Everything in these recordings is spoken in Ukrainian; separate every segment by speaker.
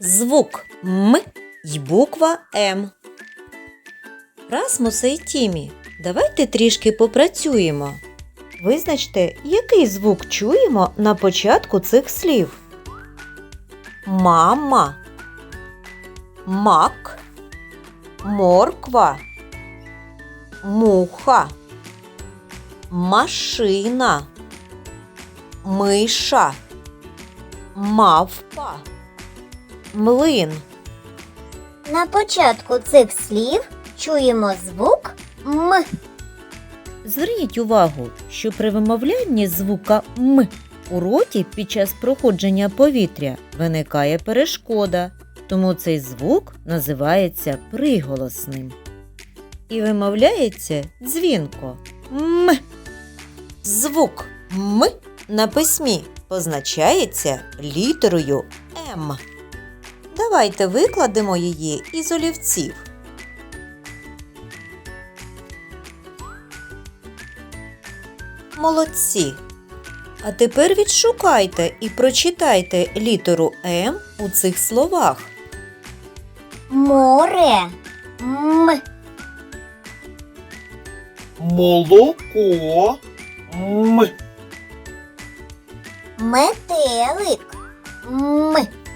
Speaker 1: звук М й буква М. Расмусе й Тімі, давайте трішки попрацюємо. Визначте, який звук чуємо на початку цих слів. Мама, мак, морква, муха, машина, миша, мавпа, млин.
Speaker 2: На початку цих слів чуємо звук М.
Speaker 1: Зверніть увагу, що при вимовлянні звука М у роті під час проходження повітря виникає перешкода, тому цей звук називається приголосним. І вимовляється дзвінко М. Звук М на письмі позначається літерою М. Давайте викладемо її із олівців. Молодці! А тепер відшукайте і прочитайте літеру М у цих словах.
Speaker 2: Море М.
Speaker 3: Молоко. М.
Speaker 2: Метелик М.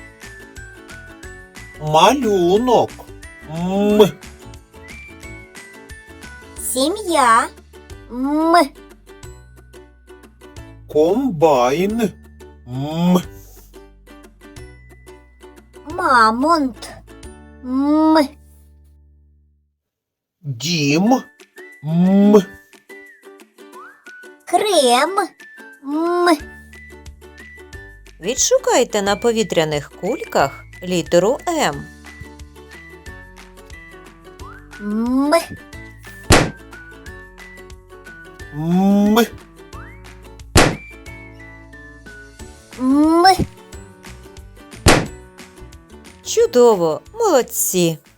Speaker 3: Малюнок. М.
Speaker 2: Сім'я М.
Speaker 3: Комбайн. М.
Speaker 2: Мамонт М.
Speaker 3: Дім. М.
Speaker 2: Крем М.
Speaker 1: Відшукайте на повітряних кульках літеру М.
Speaker 2: М.
Speaker 3: М.
Speaker 2: М.
Speaker 1: Чудово! Молодці!